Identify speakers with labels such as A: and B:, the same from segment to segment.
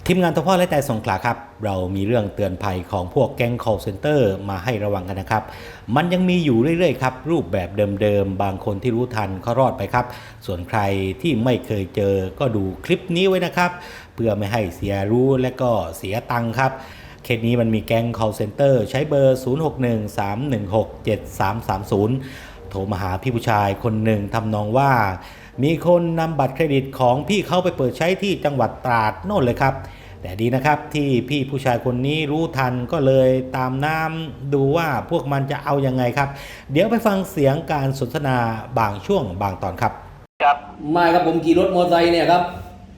A: ทีมงานทพ่อและแต่สงขลาครับเรามีเรื่องเตือนภัยของพวกแก๊ง call center มาให้ระวังกันนะครับมันยังมีอยู่เรื่อยๆครับรูปแบบเดิมๆบางคนที่รู้ทันเขารอดไปครับส่วนใครที่ไม่เคยเจอก็ดูคลิปนี้ไว้นะครับเพื่อไม่ให้เสียรู้และก็เสียตังค์ครับเคสนี้มันมีแก๊ง call center ใช้เบอร์ 0613167330 โทรมาหาพี่ผู้ชายคนหนึ่งทำนองว่ามีคนนำบัตรเครดิตของพี่เขาไปเปิดใช้ที่จังหวัดตราดโน่นเลยครับแต่ดีนะครับที่พี่ผู้ชายคนนี้รู้ทันก็เลยตามน้ำดูว่าพวกมันจะเอายังไงครับเดี๋ยวไปฟังเสียงการสนทนาบางช่วงบางตอนครับ
B: ครับ
C: ไม่ครับผมขี่รถมอเตอร์ไซค์เนี่ยครับ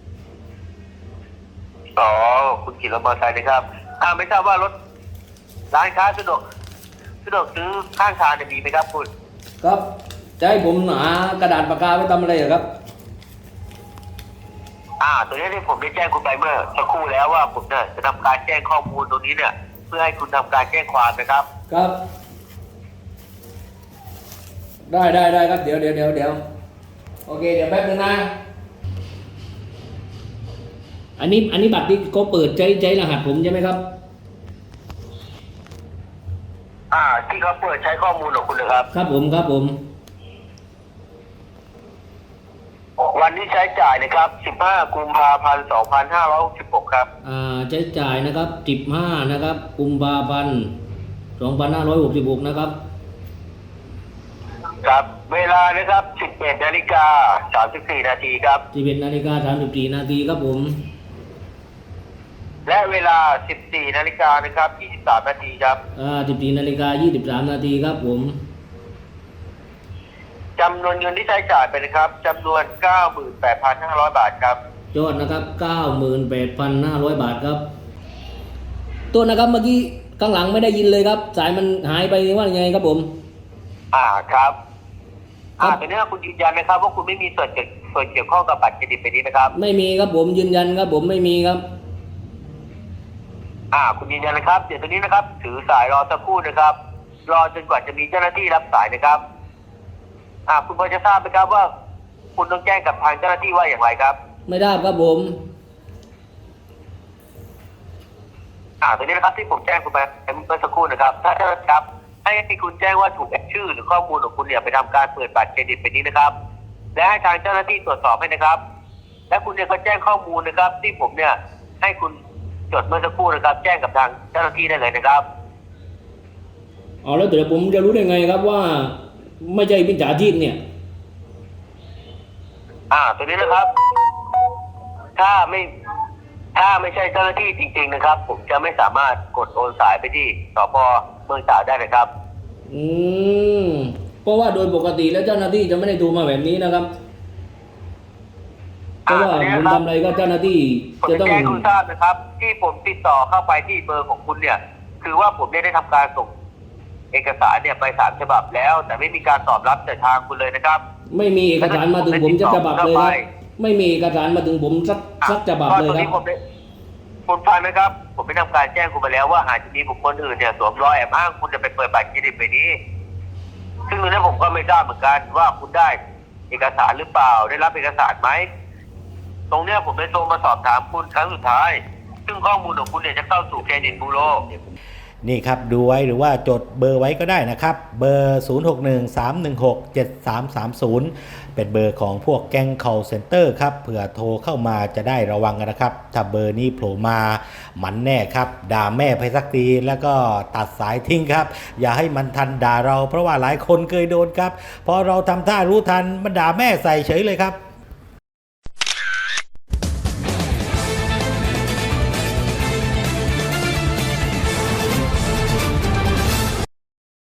B: อ๋อคุณขี่รถมอเตอร์ไซค์นะครับไม่ทราบว่ารถร้านค้าสะดวกซื้อข้างทางมีไหมครับคุณ
C: ครับจะให้ผมหากระดาษปากกาไว้ทำอะไรเหรอครับ
B: ตัวนี้ที่ผมได้แจ้งคุณไปเมื่อสักครู่แล้วว่าผมเนี่ยจะทำการแจ้งข้อมูลตรงนี้เนี่ยเพื่อให้คุณทำการแจ้งความนะครับ
C: ครับได้ครับเดี๋ยวโอเคเดี๋ยวแป๊บนึงนะอันนี้บัตรที่เขาเปิดใช้รหัสผมใช่ไหมครับ
B: ที่เขาเปิดใช้ข้อมูลของคุณเลยครับ
C: ครับผม
B: วันนี้ใช้จ่ายนะครับ15กุมภาพันธ์2566ครับ
C: ใช้จ่ายนะครับ15นะครับกุมภาพันธ์2566นะครับ
B: ครับเวลานะครับ11:34 นาทีครับ
C: 11:34 นาทีครับผม
B: และเวลา14 นาฬิกานะครับ23 นาทีครับ
C: 14:23 นาทีครับผม
B: จำนวนเงินที่ใช้จ่ายไปนะครับจำนวน 98,500 บาทครับ
C: ยอดนะครับ 98,500 บาทครับตัวนะครับเมื่อกี้ข้างหลังไม่ได้ยินเลยครับสายมันหายไปว่ายังไงครับผม
B: ครับแต่เนี้ยคุณยืนยันนะครับว่าคุณไม่มีส่วนเกี่ยวข้องกับบัตรเครดิตไปนี้นะครับ
C: ไม่มีครับผมยืนยันครับผมไม่มีครับ
B: คุณยืนยันนะครับเดี๋ยวตอนนี้นะครับถือสายรอสักครู่นะครับรอจนกว่าจะมีเจ้าหน้าที่รับสายนะครับคุณพอจะทราบไหมครับว่าคุณต้องแจ้งกับทางเจ้าหน้าที่ว่าอย่างไรครับ
C: ไม่ได้ครับผม
B: ตอนนี้นะครับที่ผมแจ้งคุณไปเมื่อสักครู่นะครับถ้าเจ้าหน้าที่ครับให้คุณแจ้งว่าถูกแอบชื่อหรือข้อมูลของคุณเนี่ยไปทำการเปิดบัตรเครดิตไปนี้นะครับและให้ทางเจ้าหน้าที่ตรวจสอบให้นะครับและคุณเนี่ยก็แจ้งข้อมูลนะครับที่ผมเนี่ยให้คุณจดเมื่อสักครู่นะครับแจ้งกับทางเจ้าหน้าที่ได้เลยนะครับ
C: แล้วเดี๋ยวผมจะรู้ได้ไงครับว่าไม่ใช่มิจฉาชีพเนี่ย
B: ตัวนี้นะครับถ้าไม่ใช่เจ้าหน้าที่จริงๆนะครับผมจะไม่สามารถกดโอนสายไปที่สพ.เมืองตราดได้นะครับ
C: เพราะว่าโดยปกติแล้วเจ้าหน้าที่จะไม่ได้ดูมาแบบนี้นะครับเพราะว่าผมทำอะไรก็เจ้าหน้าที่จะต้อง
B: แจ้งคุณทราบนะครับที่ผมติดต่อเข้าไปที่เบอร์ของคุณเนี่ยคือว่าผมได้ทำการส่งเอกสารเนี่ยไป3 ฉบับแล้วแต่ไม่มีการตอบรับจากทางคุณเลยนะครับ
C: ไม่มีเอกสารมาถึงผมสักฉบับเลยครับไม่มีเอกสารมาถึงผมสักฉบับเลยครับ
B: คุณฟังนะครับผมได้ทำการแจ้งคุณไปแล้วว่าอาจจะมีบุคคลอื่นเนี่ยสวมรอยแอบอ้างคุณจะไปเปิดบัตรเครดิตไปนี้ซึ่งตรงนี้ผมก็ไม่ทราบเหมือนกันว่าคุณได้เอกสารหรือเปล่าได้รับเอกสารไหมตรงเนี้ยผมได้โทรมาสอบถามคุณครั้งสุดท้ายซึ่งข้อมูลของคุณเนี่ยจะเข้าสู่เครดิตบูโร
A: นี่ครับดูไว้หรือว่าจดเบอร์ไว้ก็ได้นะครับเบอร์ 0613167330 เป็นเบอร์ของพวกแก๊ง call center ครับเผื่อโทรเข้ามาจะได้ระวังกันนะครับถ้าเบอร์นี้โผล่มามันแน่ครับด่าแม่ไปสักทีแล้วก็ตัดสายทิ้งครับอย่าให้มันทันด่าเราเพราะว่าหลายคนเคยโดนครับพอเราทำท่ารู้ทันมันด่าแม่ใส่เฉยเลยครับ